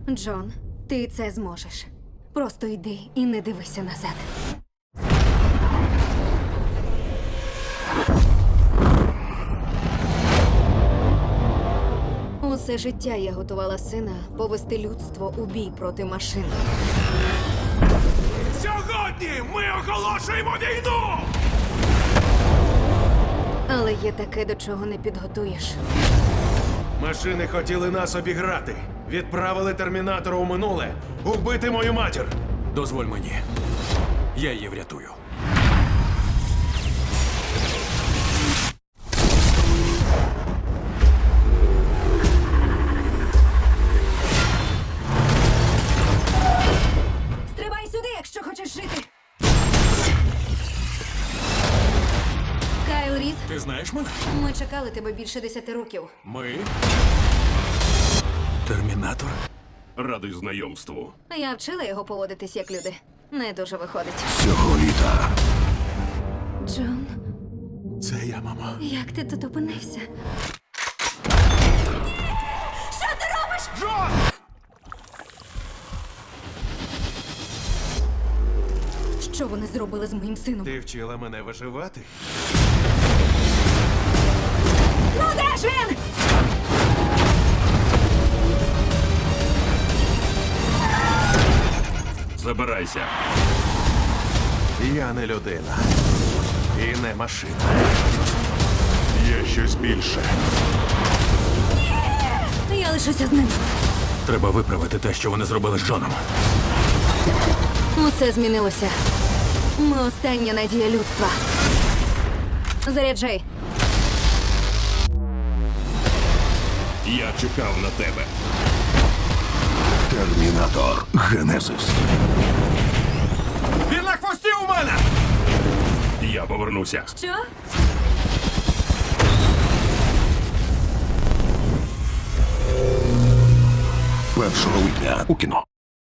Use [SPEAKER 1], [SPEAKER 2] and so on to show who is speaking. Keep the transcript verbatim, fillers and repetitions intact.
[SPEAKER 1] Джон, ти це зможеш. Просто йди і не дивися назад. Усе життя я готувала сина повести людство у бій проти машин.
[SPEAKER 2] Сьогодні ми оголошуємо війну!
[SPEAKER 1] Але є таке, до чого не підготуєш.
[SPEAKER 2] Машини хотіли нас обіграти. Відправили термінатора у минуле убити мою матір.
[SPEAKER 3] Дозволь мені. Я її врятую.
[SPEAKER 1] Стрибай сюди, якщо хочеш жити. Кайл Різ,
[SPEAKER 3] Ти знаєш мене?
[SPEAKER 1] ми чекали тебе більше десяти років.
[SPEAKER 3] Ми. Термінатор?
[SPEAKER 2] Радий знайомству.
[SPEAKER 1] Я вчила його поводитись як люди. Не дуже виходить.
[SPEAKER 3] Цього літа.
[SPEAKER 1] Джон,
[SPEAKER 2] Це я, мама.
[SPEAKER 1] як ти тут опинився? Що ти робиш?
[SPEAKER 2] Джон!
[SPEAKER 1] Що вони зробили з моїм сином?
[SPEAKER 2] Ти вчила мене виживати?
[SPEAKER 1] Ну де ж він?
[SPEAKER 2] Забирайся. Я не людина. І не машина. Є щось більше.
[SPEAKER 1] Я лишуся з ним.
[SPEAKER 3] Треба виправити те, що вони зробили з Джоном.
[SPEAKER 1] Усе змінилося. Ми остання надія людства. Заряджай.
[SPEAKER 2] Я чекав на тебе.
[SPEAKER 3] Термінатор. Генезис.
[SPEAKER 2] Він на хвості у мене! Я повернуся.
[SPEAKER 1] Що?
[SPEAKER 3] Першого липня у кіно.